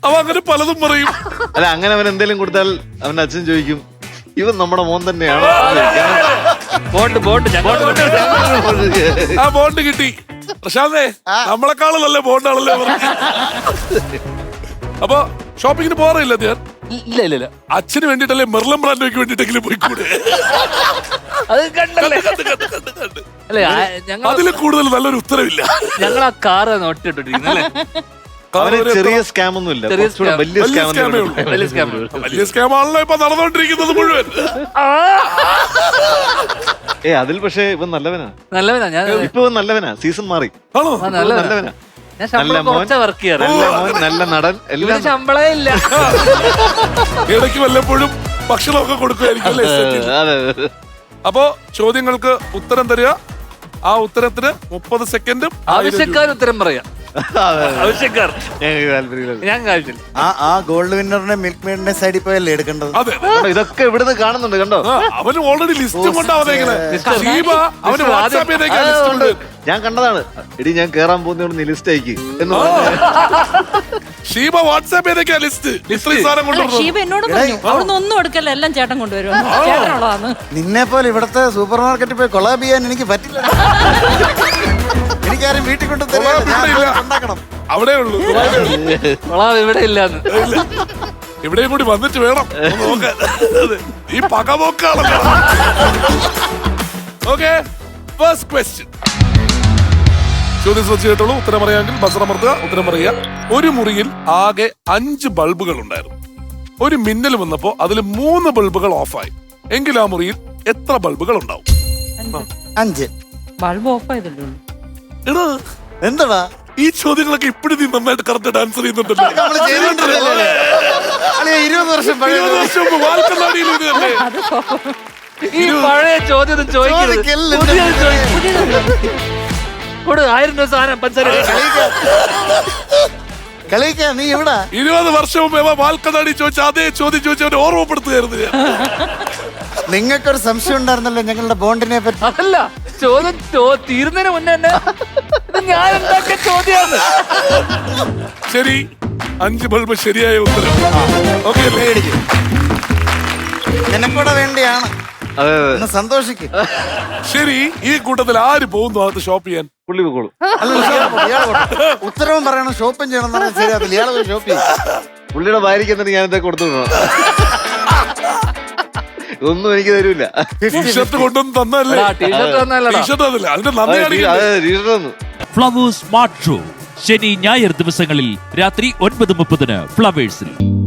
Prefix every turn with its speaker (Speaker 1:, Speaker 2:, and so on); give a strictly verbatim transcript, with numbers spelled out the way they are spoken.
Speaker 1: അവൻ അങ്ങനെ പലതും പറയും.
Speaker 2: അല്ല അങ്ങനെ അവൻ എന്തെങ്കിലും കൊടുത്താൽ അവന്റെ അച്ഛൻ ചോദിക്കും ഇവൻ നമ്മുടെ മോൻ തന്നെയാണ്.
Speaker 3: ബോണ്ട് ബോണ്ട്
Speaker 1: ആ ബോണ്ട് കിട്ടി. പ്രശാന്തേ നമ്മളെക്കാളും നല്ല ബോണ്ടാണല്ലേ പറഞ്ഞത്. അപ്പൊ ഷോപ്പിങ്ങിന് പോകാറില്ല ഞാൻ.
Speaker 3: ഇല്ല ഇല്ല ഇല്ല.
Speaker 1: അച്ഛന് വേണ്ടിട്ടല്ലേ മെർലൻ ബ്രാൻഡോയ്ക്ക് വേണ്ടിട്ടെങ്കിലും പോയിക്കൂടെ?
Speaker 3: അത് കണ്ടല്ലേ. അല്ലേ ഞങ്ങൾ
Speaker 1: അതിൽ കൂടുതൽ നല്ലൊരു ഉത്തരവില്ല.
Speaker 3: ഞങ്ങൾ ആ കാറ് നോട്ടിട്ടിരിക്കുന്നല്ലേ.
Speaker 2: ചെറിയ സ്കാം ഒന്നും ഇല്ല, വലിയ സ്കാം.
Speaker 1: വലിയ സ്കാം ആണല്ലോ ഇപ്പൊ നടന്നുകൊണ്ടിരിക്കുന്നത് മുഴുവൻ.
Speaker 2: ഏ അതിൽ പക്ഷേ ഇവൻ നല്ലവനാ.
Speaker 3: നല്ലവനാ. ഞാൻ
Speaker 2: ഇപ്പൊ ഇവൻ നല്ലവനാ. സീസൺ മാറി.
Speaker 1: ആണോ?
Speaker 2: നല്ലവനാ.
Speaker 3: ഞാൻ ശമ്പളം കുറച്ചാ വർക്ക് ചെയ്യാറ്.
Speaker 2: നല്ല മോൻ, നല്ല നടൻ, എല്ലാം
Speaker 3: ശമ്പളേ ഇല്ല.
Speaker 1: ഇടയ്ക്ക് വല്ലപ്പോഴും ഭക്ഷണമൊക്കെ കൊടുക്കുമായിരിക്കും അല്ലേ? അപ്പോ ചോദ്യങ്ങൾക്ക് ഉത്തരം തരിക. ആ ഉത്തരത്തിന് മുപ്പത് സെക്കൻഡും
Speaker 3: ആവശ്യക്കാർ ഉത്തരം പറയാം. ആവശ്യക്കാർ ഞാൻ കാണിച്ചില്ല.
Speaker 4: ആ ആ ഗോൾഡ് വിന്നറിനെ മിൽക്ക് മെയ്ഡിന്റെ സൈഡിൽ പോയല്ലേ എടുക്കേണ്ടത്?
Speaker 1: അതെ,
Speaker 2: ഇതൊക്കെ ഇവിടുന്ന് കാണുന്നുണ്ട് കണ്ടോ.
Speaker 1: അവന് ഓൾറെഡി ലിസ്റ്റും കൊണ്ടാവുന്നേങ്ങനെ. അവന് വാട്സാപ്പിലേക്ക്
Speaker 2: ഞാൻ കണ്ടതാണ്. എടി ഞാൻ കേറാൻ പോകുന്ന ലിസ്റ്റ് അയക്ക് എന്ന്
Speaker 1: ഷീബ വാട്സാപ്പ് ചെയ്തേക്കാ ലിസ്റ്റ്.
Speaker 5: ഷീബ എന്നോട് പറഞ്ഞു അവിടുന്ന് ഒന്നും എടുക്കല്ല, എല്ലാം ചേട്ടൻ കൊണ്ടുവരും. ചേട്ടനുള്ളതാണ്.
Speaker 4: നിന്നെ പോലെ ഇവിടത്തെ സൂപ്പർ മാർക്കറ്റിൽ പോയി കൊളാബ് ചെയ്യാൻ എനിക്ക് പറ്റില്ല. എനിക്കാരും വീട്ടിൽ കൊണ്ട് ഉണ്ടാക്കണം.
Speaker 1: അവിടെ ഉള്ളൂ,
Speaker 3: ഇവിടെ ഇല്ലാന്ന്.
Speaker 1: ഇവിടെയും കൂടി വന്നിട്ട് വേണം നോക്കാൻ. ഈ പകപോക്കാണല്ലോ. Okay, first question. ചോദ്യം ശ്രദ്ധിച്ച് കേട്ടോളൂ. ഉത്തരം അറിയാമെങ്കിൽ ബസർ അമർത്തുക. ഉത്തരം പറയുക. ഒരു മുറിയിൽ ആകെ അഞ്ച് ബൾബുകൾ ഉണ്ടായിരുന്നു. ഒരു മിന്നൽ വന്നപ്പോ അതിൽ മൂന്ന് ബൾബുകൾ ഓഫായി. എങ്കിൽ ആ മുറിയിൽ എത്ര ബൾബുകൾ ഉണ്ടാവും?
Speaker 4: അഞ്ച്.
Speaker 5: ബൾബ് ഓഫ് ആയതല്ലോ.
Speaker 1: എടാ
Speaker 4: എന്താ
Speaker 1: ഈ ചോദ്യങ്ങളൊക്കെ ഇപ്പഴും നീ നന്നായിട്ട് കറക്റ്റ് ആൻസർ ചെയ്യുന്നുണ്ടല്ലോ.
Speaker 4: ഇരുപത് വർഷം
Speaker 1: ഇരുപത് വർഷം മുമ്പ് വാൽക്കണ്ണാടിയിൽ ഇത് തന്നെ.
Speaker 3: ഈ പഴയ ചോദ്യം ചോദിക്കരുത്. ആയിരം രൂപ സാധനം പഞ്ചാര
Speaker 4: കളിക്കാ. നീ എവിടാ?
Speaker 1: ഇരുപത് വർഷം മുമ്പ് വാൽക്കണ്ണാടി ചോദിച്ച അതേ ചോദ്യം ചോദിച്ചവരെ ഓർമ്മപ്പെടുത്തുകയായിരുന്നു ഞാൻ.
Speaker 4: നിങ്ങൾക്കൊരു സംശയം ഉണ്ടായിരുന്നല്ലോ ഞങ്ങളുടെ ബോണ്ടിനെ പറ്റി.
Speaker 3: അതല്ല ചോദ്യം തീരുന്നതിന് മുന്നേ തന്നെ ഞാൻ ഉണ്ടാക്കിയ ചോദ്യമാണ്.
Speaker 1: ശരി, അഞ്ച് ബൾബ് ശരിയായ ഉത്തരം. ഓക്കെ അല്ലേ?
Speaker 4: നിനക്കൂടെ വേണ്ടിയാണ്. സന്തോഷിക്കും.
Speaker 1: ശരി, ഈ കൂട്ടത്തിൽ ആര് പോകുന്നു അകത്ത് ഷോപ്പ് ചെയ്യാൻ?
Speaker 2: പുള്ളി പോകോളൂ.
Speaker 4: ഉത്തരവും പറയണം, ഷോപ്പും ചെയ്യണം എന്ന് പറഞ്ഞാൽ ശരിയാവില്ല. ഇയാളെ പോയി ഷോപ്പ് ചെയ്യും.
Speaker 2: പുള്ളിയുടെ ഭാര്യയ്ക്ക് എന്നിട്ട് ഞാൻ ഇതൊക്കെ കൊടുത്തു വിടണം. ഒന്നും എനിക്ക് തരൂല.
Speaker 1: ടീഷർട്ട് കൊണ്ടൊന്നും തന്നല്ലേ? ടീഷർട്ട് തന്നില്ല. അതിന്റെ നന്ദി.
Speaker 6: ഫ്ലവേഴ്സ് സ്മാർട്ട് ഷോ ശനി ഞായർ ദിവസങ്ങളിൽ രാത്രി ഒൻപത് മുപ്പതിന് ഫ്ലവേഴ്സിൽ.